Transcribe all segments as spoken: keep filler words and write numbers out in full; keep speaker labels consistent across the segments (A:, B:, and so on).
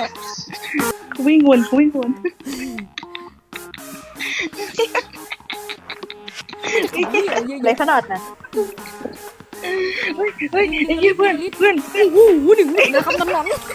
A: เขาวิ่งวนเขาวิ่งวน
B: เลยขนาดนะ
A: เฮ้ยเฮ้ยไอ้เหี้ยเพื่อนเพื่อน
C: โอ้โหหนึ่งนะครับน้ำน้ำ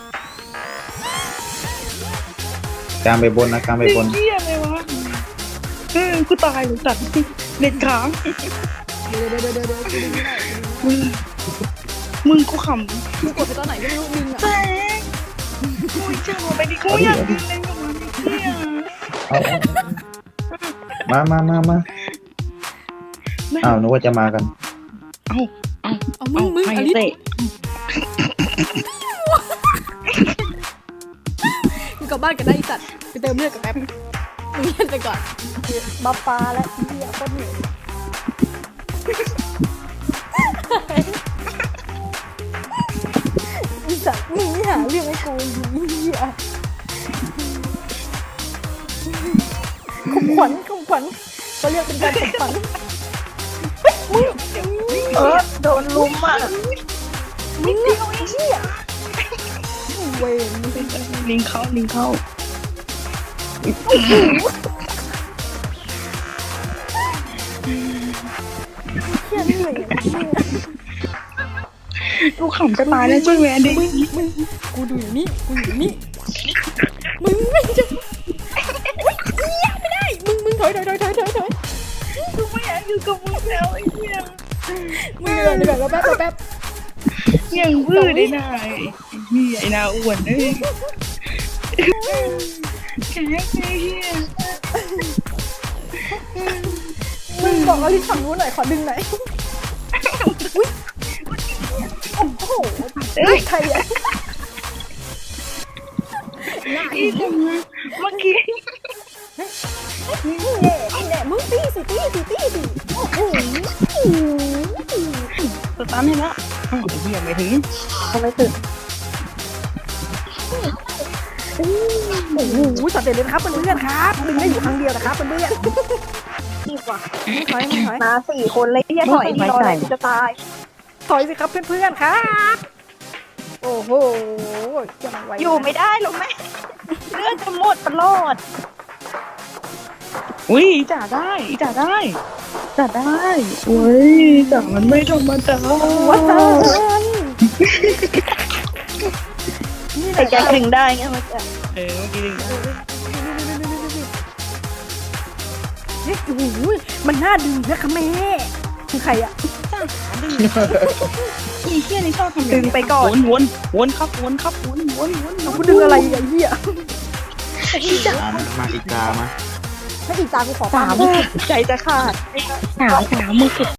D: กลางไปบนนะกลางไปบน
A: เหี้ยอะไรวะเออกูตายเลยสัตว์เน็ตค้าง
C: เดี๋ยวเดี๋ยวเดี๋ยวเดี๋ยว
A: มึงมึงกูข
C: กูกดไปตอนไหนก็ไม่รู้ดึง
A: ำแต
C: อ่ะ
A: กกูเจอไปดิกูอยากกินเลยกับมันเหี้ย
D: เอามามามามาอ้าวนึกว่าจะมากัน
A: เอาเอา
C: เอามึงมึง
A: ใคร
C: อลิส
A: เตะ
C: กูกลับบ้านกันได้อีสัตว์ไปเติมเลือดกับแป๊บมึงเล่นไปก่อน
B: บัฟฟ้าและเหี้ยโคตรเหนื่อยอีสัตว์มึงไม่หาเรื่องให้กูเหี้ยขมขวัญขมขวัญก็เรียกเป็นการขมขวัญเฮ้ยมึง
A: เออโดนลุมอ่ะ
B: มึงเดียวไอ้เหี้ย
C: เวร
A: ลิงเข้าลิงเข้า
B: เหี้ยเหนื่อยอะเหี้ย
A: กูขำจะตายแล้วช่วยแวนดิ
C: มึงมึงกูดูอยู่นี่กูอยู่นี่มึงไม่จะอุ๊ยเหี้ยไม่ได้มึงมึงถอยถอยถอยถอยถอยถอย
A: กูไม่อยากอยู่กับมึงแล้วไอ้เหี้ย
C: มึงเดี๋ยวเดี๋ยวแป๊บแป๊บ
A: ยังวืดได้นายไอ้เหี้ยไอ้นาอ้วนเอ้ยแข็งไอ้เหี้ย
B: มึงบอกอลิสฝั่งนู้นหน่อยขอดึงหน่อยอุ๊ยโอ้โห
A: เอ้ย
B: ใครอะ
A: อีจังเลยเมื่อกี้
B: นี่แหละนี่แหละมึงตีสิตีสิตีสิโอ้โห
A: สตาร์ทให้ละอ้าวไอ้เหี้ยไม่ถึง
B: ทำไมถึงโอ้โหสัตว์เด็ดเลยนะครับเพื่อนๆครับดึงได้อยู่ครั้งเดียวนะครับเพื่อนๆนี่ว่ะถอยถอยมาสี่คนเลยอย่าถอยดีรออะไรจะตายถอยสิครับเพื่อนๆครับโอ้โหยังไวอยู่ไม่ได้หรอกแม่เลือดจะหมดตลอด
A: อุ้ยจ่าได้จ่าได้จ่าได้โอ้ยจ่ามันไม่ธรรมดา
B: วัดแต่แกดึงได้ไงมันจะ
A: เออเมื่อกี้ดึงได้
B: เฮ้ยโอ้โหมันน่าดึงนะคะแม่คือใครอ่ะ
A: อีเหี้ยนี่ชอบทำ
B: ดึงไปก่อน
A: วนวนวนครับวนครับวนวนวน
B: กูดึงอะไรอ่ะเหี้ย
D: มามาอีกามา
B: ถ้าอีกตากูขอ
A: สาม
B: ใจจะขาด
A: สามสามมือสุด